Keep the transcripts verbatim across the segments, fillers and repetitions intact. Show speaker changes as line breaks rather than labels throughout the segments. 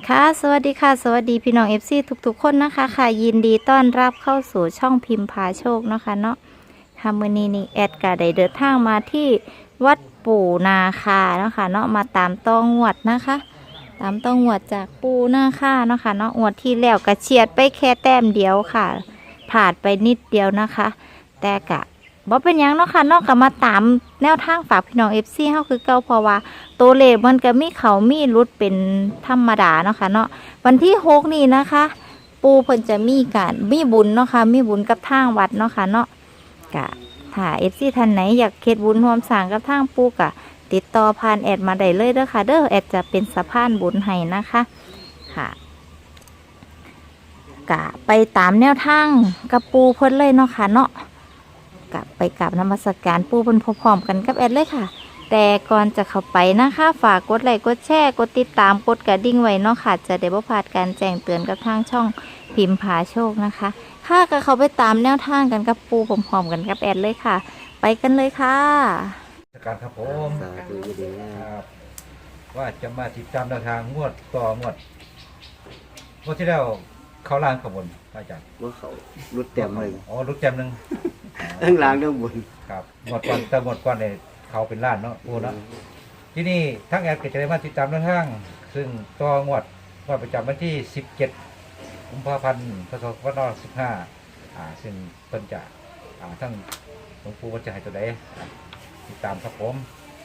ค่ะสวัสดีค่ะสวัสดีพี่น้อง เอฟ ซี ทุกๆคนนะคะค่ะยินดีต้อนรับเข้าสู่ช่องพิมพ์พาโชคเนาะค่ะเนาะค่ะมื้อนี้นี่แอดก็ได้เดินทางมาที่วัดปู่นาคาเนาะค่ะเนาะมาตามต้องงวดนะคะ ตามต้องงวดจากปู่นาคาเนาะค่ะเนาะงวดที่แล้วก็เฉียดไปแค่แต้มเดียวค่ะผ่านไปนิดเดียวนะคะ แต่กะบ่เป็นหยังเนาะค่ะเนาะก็มาตามแนวทางฝากพี่น้อง เอฟ ซี เฮาคือเก่าเพราะว่าตัวเลขมันก็มีเขามีรุดเป็นธรรมดาเนาะค่ะเนาะวันที่หกนี่นะคะ ปูเพิ่นจะมีการมีบุญเนาะค่ะมีบุญกับทางวัดเนาะค่ะเนาะกะถ้า เอฟ ซี ท่านไหนอยากเฮ็ดบุญร่วมสร้างกับทางปูกะติดต่อผ่านแอดมาได้เลยเด้อค่ะเด้อแอดจะเป็นสะพานบุญให้นะคะค่ะกะไปตามแนวทางกับปูเพิ่นเลยเนาะค่ะเนาะกะไปกราบนมัสการปูเพิ่นพร้อมๆกันกับแอดเลยค่ะแต่ก่อนจะเข้าไปนะคะฝากกดไลค์กดแชร์กดติดตามกดกระดิ่งไว้เนาะค่ะจะได้บ่พลาดการแจ้งเตือนกับทางช่องพิมพ์พาโชคนะคะค่ะก็เขาไปตามแนวทางกันกับปูพร้อมๆกันกับแอดเลยค่ะไปกันเลยค่ะ
การครับผม
สาธุยินดีนะ
ครับว่าจะมาติดตามแนวทางงวดต่องวดงวดที่แล้วเขาล่างขบวนพระอาจารย์
ว่าเขารุดเต็มเลย
อ๋อรุดเต็มหนึ่ง
ทั้งล่างทั้งบน
ครับงวดก่อนแต่งวดก่อนเนี่ยเขาเป็นล้านเนาะโอ้เนาะที่นี่ทั้งแอดก็จะได้มาติดตามแนวทางซึ่งต่องวดงวดประจำวันที่สิบเจ็ดกุมภาพันธ์พศสองพันห้าร้อยสิบห้าอ่าซึ่งเพิ่นจะอ่าทั้งหลวงปู่ว่าจะให้ตัวใดอ่าติดตามครับผม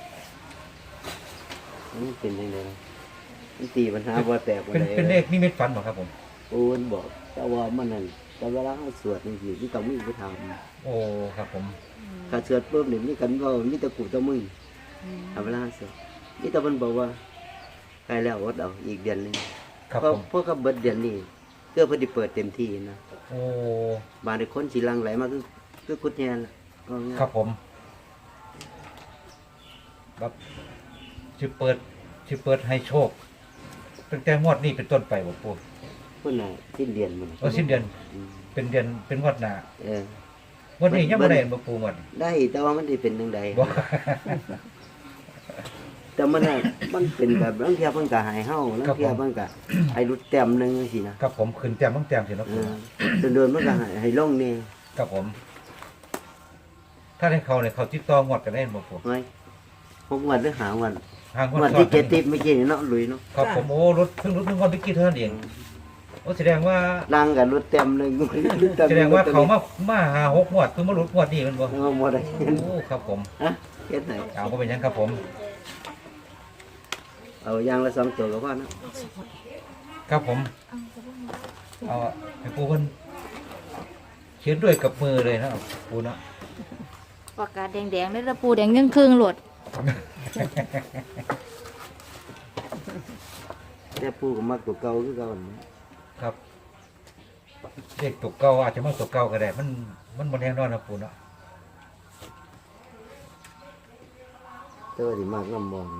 นี่เป็นยังไงมันตีปัญหาว่าแตก
เป็นเป็นเลขนิมิตฝันบ่ครับผม
โอ้นบอกแต่ว่ามันนั่นแต่เวลาเขาสวดนี่สิที่ต้องมีไปท
โอ้ครับผม
ำถ้าสวดปุ๊บนี่มีกันว่ามีแตะกูตะมึงทำเวลาสวดนี่แต่มันบอกว่าใกล้แล้ววัดเอาอีกเดือนหนึง
ครับ
เพราะ
ผม
เพราะเขาเบิดเดือนนี้เพื่อเพอดีเปิดเต็มที่นะ
โอ้
บางในคนสีลังไหลมาคือคือกุดแยนล่ะว่าง่าย
ครับผมครับชื่อเปิดชื่อเปิดให้โชคตั้งแต่งวดนี้เป็นต้นไปบ่ปู่
คนน่ะสิ้นเดือนมัน
เออสิ้นเดือน
อืม
เป็นเดือนเป็นงวดหน้า
เออ
งวดนี้ยังบ่ได้บ่ปู่งวด
ได้แต่ว่ามันได้เป็นยังไง
บ่
แต่มันน่ะมันเป็นแบบบางเทียมันก็หายเฮาบางเทียมันก็ให้รุดแต้มหนึงสินะครับ
ผมขึ้นแต้มต้องแต้มสิเนาะ
เอ
ปู่
อโดนๆมันก็ให้ให้ลงนี่
ครับผม ถ้าให้เขาเนี่ยเขาติดต่องวดกันได้บ่ปู่
ไว้หกวันหรือหาวัน
ทางงวด
วัน
ซ้อ
ที่
น
เจ็ดติดเมื่อกี้นี่เนาะลุยเนาะ
ครับผมโอ้รถเพิ่งรถเพิ่งงวดเมื่อกี้เท่านั้นเองโอ้แสดงว่า
ดังกับรุดแต้มหนึง
แสดงว่าเขามามาหาหกงวดเพิ่งมาหลุดงวดนี้แมันบ่
เอาหมดเลย
โอ้ครับผม
ฮะเฮ็ดไหน
เอาก็เป็นหยังครับผม
เอายางละสองตัวก็พอเนาะ
ครับผม เอาให้ปูเพิ่นเขียนด้วยกับมือเลยนะปูเนาะ
ปากกาแดงๆเลยละปูแดงยังครึ่งๆโหลด
แต่ปู่ก็มักตัวเก่าคือเก่านั่นแหละ
ครับเด็กตกเก่าอาจจะมาตกเก่าก็ได้มันมันบนแห้งนอนนะปูเนาะ
แต่ว่าสิมักน้ำมองนะ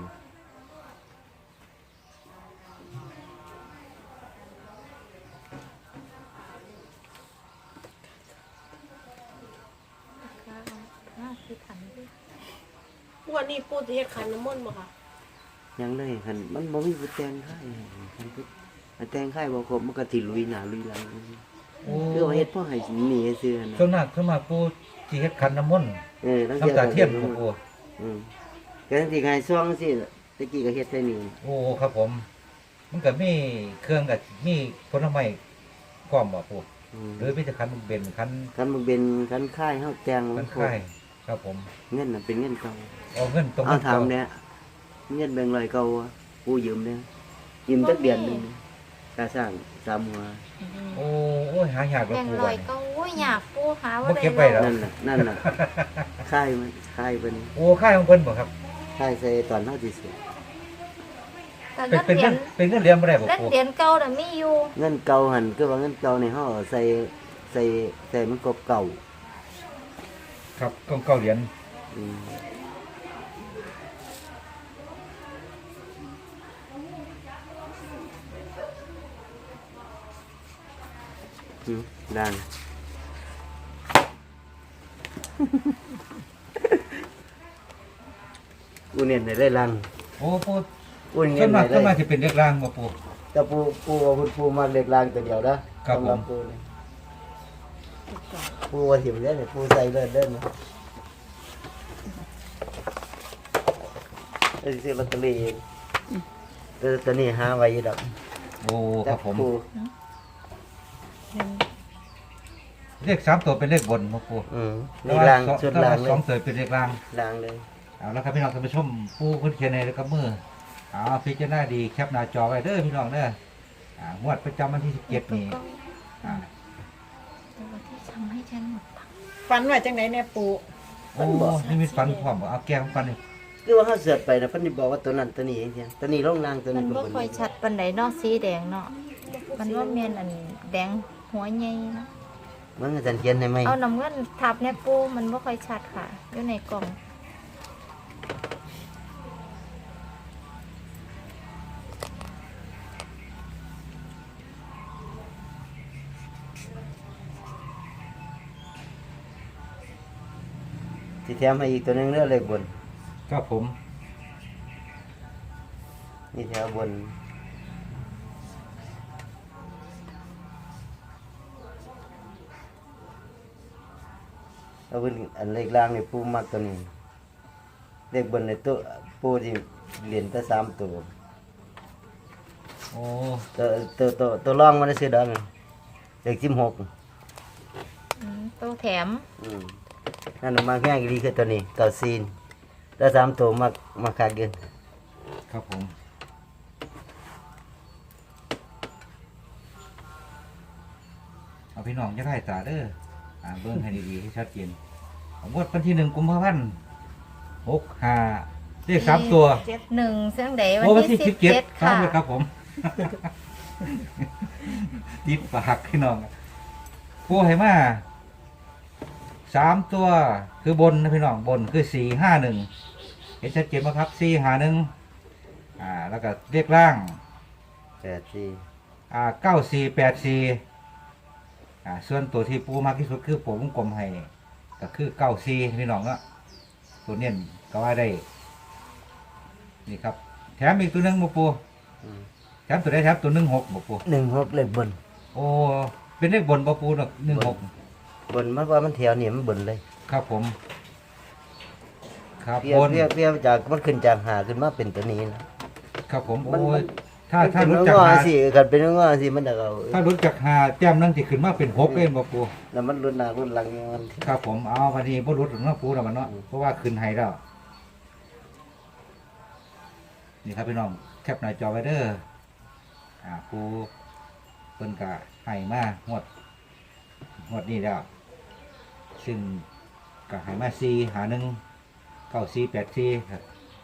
วันนี้ปูจะเฮ็ดขันน้ำมนต์บ่ค่ะ
ยังเลยหันมันบ่มีผู้แต่งค่ายหันผู้อันแต่งค่ายบ่ครบมันก็สิลุยหน้าลุยหลัง
โอ้
คือว่าเฮ็ดพ่อให้หนีให้ซื้อนะ
ส่วนมากส่วนมากปูที่เฮ็ดขันน้ำมนต์
เออตั้ง
น้ำตาเทียม
ก็
ของปู
อืมก็ทั้งที่ไงซ่องสิตะกี้ก็เฮ็ดใส่นี่
โอ้ครับผม มันก็มีเครื่องกับมีผลไม้พร้อมบ่ปู
อืม
หรือมีแต่ขันเบนขัน
คันมันเป็นคันค่ายเฮาแต่ง
ขันค่ายครับผม
เงินน่ะเป็นเงินเก่า
เอาเงินตรง
เอา
นั้น
ถามเนี่ยเงินแบ่งค์ร้อยเก่าอะกูยืมเนี่ยยืมจักเดือนหนึงค่าสร้างสามหัว
โอ้โอ้ยหายากแล้ว
แดง
ปู
ล
วั
อย
นนี้
ก็โอ้ยอยากปูหาว่า
บ่
ได้
เก็บไว้แล้ว
นั่นน่ะนั่นน่ะค่ายมันค่ายเป็น
โอ้ค่ายของเพิ่นบ่ครับ
ค่ายใส่ตอนเฮาสิเสีย
แต่
เป็น
เงิน
เป็น
เหรียญ
เงินเป็นเงินเหรียญบ่ได้บ่
เงิน
ปู
เหรียญเก่าน่ะมีอยู่
เงินเก่าหั่นคือว่าเงินเก่าในเฮาเอาใส่ใส่ใส่มันกบเก่า
ครับกองเก้าเหรียญ
อืมอืมดัง กูเนียนได้ได้ลัง
โอ้ปู
กูเนี
ส่
ย
วน นมาก
ได้
ส่วนมาก
ได้
สิเป็นเรียกร่างบ่ปู
แต่ปูปูว่าคุณปูมาเล็กลางตัวเดียวนะครับ สำหรับ
ผม
ปูนี่ปูว่าถิ่มเล่นปูใส่เล่นเล่นนะไอ้ซื้อลอตเตอรี่เองแต่ตอนนี้หาไว้อยู่ดอก
โอ้ครับผม
ปู
เลขสามตัวเป็นเลขบนมาปู
อืม
แต่
นี่
ว่า
ลาง
สอง
ชุด
แต่
ลา
ว่าง
เล
สอย งตัวเป็นเลขล่าง
ลางเลย
เอาแล้วครับพี่น้องท่านผู้ชมปูขึ้นเขียนในแล้วก็มือเอาพิจารณาดีแคปหน้าจอไว้เด้อพี่น้องเด้ออ่างวดประจำวันที่สิบเจ็ดนี่อ่า
ตัวที่ทำให้ฉันหมดปัง
ฝันว่าจังไหนเนี่ยปู
โอ้นี่มีฟันพร้อมบ่เอาแก้มฟันนี่
คือว่าเขาเสือดไปนะเพิ่นนี่บอกว่าตัวนั้นตัวนี้เองเพียงตัวนี้ลงลางตัว
มั
นี้
น
เป็น
บ่
บน
ค่อยชัดปานใดเนาะสีแดงเนาะมันว่าแม่นอันแดงหัวใหญ่เนาะ
มันอาจารย์เขียนให้ไหม
เอาน้ำเงินทับเนี่ยปูมันบ่ค่อยชัดค่ะอยู่ในกล่อง
ที่แถมให้อีกตัวหนึงเรื่องเลขบน
ครับผม
นี่แถวบนเอาเป็นอันเลขล่างนี่ปูมักตัวนี้เลขบนในตัวปูที่เหรียญตั้งสามตัว
โอ้
ตัวตัวตัวตัวรองมันได้ซื้อดอกนี่เลขสิบหก
อืมตัวแถม
อืมนั่นมาแง่ายดีคือตัวนี้เก่าซีนถ้าสามตัวมักมักขาดเกิน
ครับผมเอาพี่น้องจะได้ตาเด้ออ่าเบิ่งให้ดีๆให้ชัดเจนเอางวดวันที่หนึ่งกุมภาพันธ์หกห้าเลขสามตัว
เจ็ด
หนึ่งเสียงใดวัน
โอ้วัน
ที่
ที่
สิ
สิ
บบ
เจ็ด
เจ็ด
ครับ
ค่ะ
ครับผม ติดปากพี่น้องปูให้มาสามตัวคือบนนะพี่น้องบนคือสี่ห้าหนึ่งเห็นชัดเจนไหมครับสี่ห้าหนึ่งอ่าแล้วก็เรียกล่าง
แปดสี่
อ่าเก้าสี่แปดสี่อ่าส่วนตัวที่ปูมากที่สุดคือผมวงกลมให้ก็คือเก้าสี่พี่น้องเนาะตัวเนี้ยก็ว่าได้นี่ครับแถมอีกตัวหนึงมาปู
อืม
แถมตัวได้แถมตัวหนึ่งหกบ่ปู
หนึ่งหกเลขบน
โอ้เป็นเลขบนบ่ปูเนาะหนึ่งหก
บนมันว่ามันแถวนี่มันบนเลย
ครับผม ครับ
เพีย
บน
เพียเพียจากมันขึ้นจากหาขึ้นมาเป็นตัวนี้นะครับ
ผม
มัน
โอ้
มั
ย
น
ถ้าถ้า
มัน
รู้
เป็น
จัก
งอ
หา
สิกันเป็นงอสิมันจะเอา
ถ้ารู้จักหาแต้มนั่งที่ขึ้นมาเป็นหกเองบ่ปู
แล้วมันรุ่นหน้ารุ่นหลังมัน
ครับผมเอาวันนี้บ่รู้ถึงเนาะปูแล้วมันเนาะเพราะว่าขึ้นให้แล้วนี่ครับพี่น้องแคปหน้าจอไว้เด้ออ่าปูเพิ่นก็ให้มางวดงวดนี้แล้วซึ่งก็ให้มาสี่หาหนึ่งเก้าสี่แปดสี่ครับ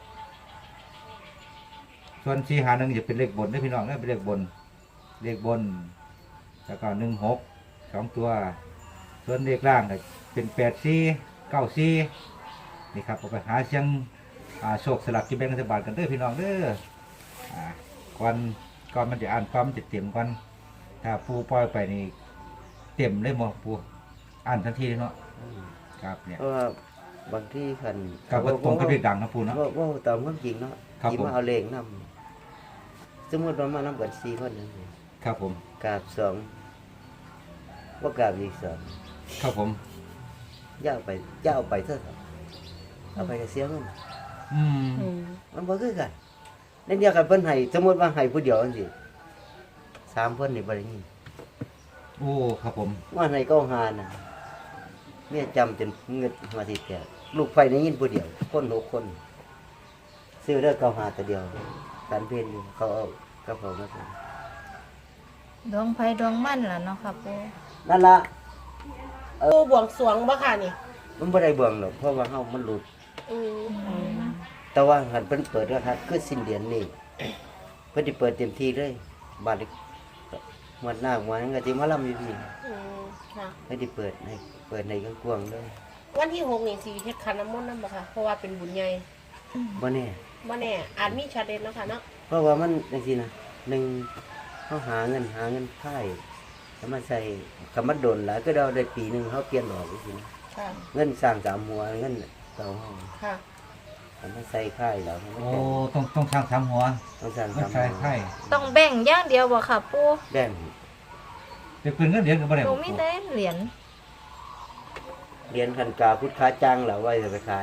ส่วนสี่หาหนึ่งจะเป็นเลขบนนะพี่น้องนะเป็นเลขบนเลขบน แล้วก็หนึ่งหกสองตัว ส่วนเลขล่างก็เป็นแปดสี่เก้าสี่นี่ครับเอาไปหาเสียงอ่าโชคสลับกินแบ่งรัฐบาลกันเด้อพี่น้องเด้ออ่าก่อนก่อนมันจะอ่านความมันจะเต็มก่อนถ้าปูปล่อยไปนี่เต็มเลยหมดปูอ่านทันทีเลยเนาะครับเนี่ย
เพราะว่าบางที่คัน
กับว่าตรงกับเลขดังนะปูเนาะ
ว่าว่าตามความจริงเนาะ
ครับ
ที่
ผม
มาเอาเลขนำสมมติว่ามานํกันสี่คนนึง
ครับผม
กราบสองว่ากราบอีกสอง
ครับผม
ย่าเอาไปย่าเอาไปเท่าไหร่เอาไปก็เสียเงิน
อืม
อืม
มันบ่คือกันนั่นเดียวกันเพิ่นให้สมมุติว่าให้ผู้เดียวจังซี่สามเพิ่นนี่บ่ได้ยิน
โอ้ครับผม
ว่าให้เก้าหาน่ะเมียจำจนเงินมาสิแตกลูกไฟได้ยินผู้เดียวคนหกคน ซื้อได้เก้าหาตัวเดียวการเพียนอยู่เขาเอากระเป๋ามาใส่
ดวงไฟดวงมั่นล่ะเนาะค่ะปู
นั่นล่ะ
ปูบวงสรวงบ่ค่ะนี่
มันบ่ได้เบิ่งหรอกเพราะว่าเฮามันหลุด
อืม
แต่ว่าหันเพิ่นเปิดกระทัดคือสิ้นเดือนนี้เพิ่นสิเปิดเต็มที่เลยบาดนี้หมดหน้าหมดนั้นก็สิมาลำอยู่พี่
อืมค่ะ
เพิ่นสิเปิดให้เปิดในกว้างๆเลย
วันที่หกนี่สิเฮ็ดขันน้ำมนต์นำบ่ค่ะเพราะว่าเป็นบุญใหญ่
บ่แน่
บ่แน่อาจมีชาเด่นเนาะค่ะเนาะ
เพราะว่ามันจังซี่นะหนึ่งเฮาหาเงินหาเงินไข่เอามาใส่คำว่าโดนหลายก็เราได้ปีหนึงเฮาเปลี่ยนดอกจังซี่นะ
ค่ะ
เงินสร้างสามหัวเงินเก่าเฮา
ค่ะ
เอันนั้นใส่ไข่แล้วมัน
โอ้
แบ่ง
ต้องต้องสร้างสามหัว
ต้องสั่ง
ไม่
ทำ
ใช่ไข่
ต้องแบ่งอย่างเดียวบ่ค่ะปู
แบ่ง
เป็นปืนเงินเหรียญก็บ่ได้
หนู
บ่
มีแต่เหรียญ
เรียนคันกาพุทธค้าจ้างแล้วไว้จะไปขาย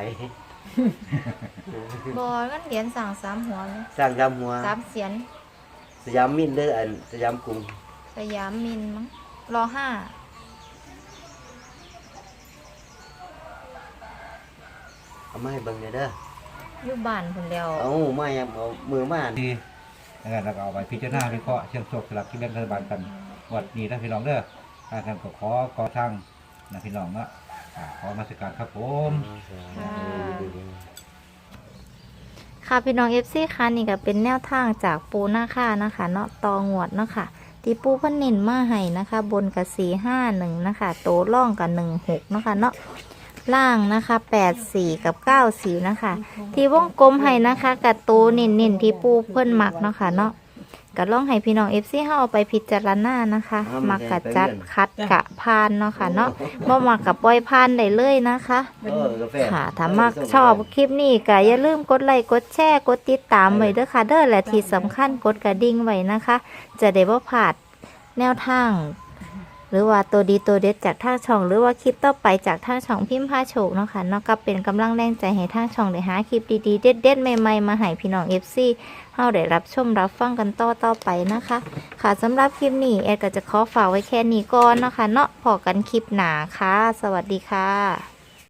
บ่งั้นเหรียญสั่งสามหัวไหม
สร้างทำหัว
สามเสียน
สยามมินเด้ออันสยามกรุง
สยามมินมั้งรอห้า
เอามาให้เบิ่งหน่อยเด้อ
อยู่บ้านคนเดียว
เอามายังเอามือมา
ดีนะครับแล้วก็เอาไปพิจารณาวิเคราะห์เชิงโชคสลับที่แบ่งรัฐบาลกันงวดนี้นะพี่น้องเด้อทางกันก็ขอก่อทางนะพี่น้องเนาะอ่าขอมาสการครับผม
ค่ะพี่น้อง เอฟ ซี ค่ะนี่ก็เป็นแนวทางจากปูหน้าค่านะคะเนาะตองวดเนาะค่ะที่ปูเพิ่นเน้นมาให้นะคะ บนกับสี่ห้าหนึ่งนะคะโตล่องกับหนึ่งหกเนาะค่ะเนาะล่างนะคะแปดสี่กับเก้าสี่นะคะ ที่วงกลมให้นะคะกับโตเน้นๆที่ปูเพิ่นมักเนาะค่ะเนาะก็ลองให้พี่น้อง เอฟ ซี เฮาเอาไปพิจารณานะคะมักกะจัดคัดกะพานเนาะค่ะเนาะบ่มักกับปล่อยพานได้เลยนะคะ
เออกาแฟ
ค่ะถ้ามักชอบคลิปนี้ก็อย่าลืมกดไลค์กดแชร์กดติดตามไว้เด้อค่ะเด้อและที่สำคัญกดกระดิ่งไว้นะคะ จะได้บ่พลาดแนวทาง หรือว่าตัวดีตัวเด็ดจากทางช่อง หรือว่าคลิปต่อไปจากทางช่องพิมพ์พาโชคเนาะค่ะเนาะก็เป็นกำลังแรงใจให้ทางช่องได้หาคลิปดีๆเด็ดๆใหม่ๆมาให้พี่น้อง เอฟ ซี เฮาได้รับชมรับฟังกันต่อต่อไปนะคะ ค่ะสำหรับคลิปนี้แอดก็จะขอฝากไว้แค่นี้ก่อนเนาะค่ะเนาะพอกันคลิปหน้าค่ะ สวัสดีค่ะ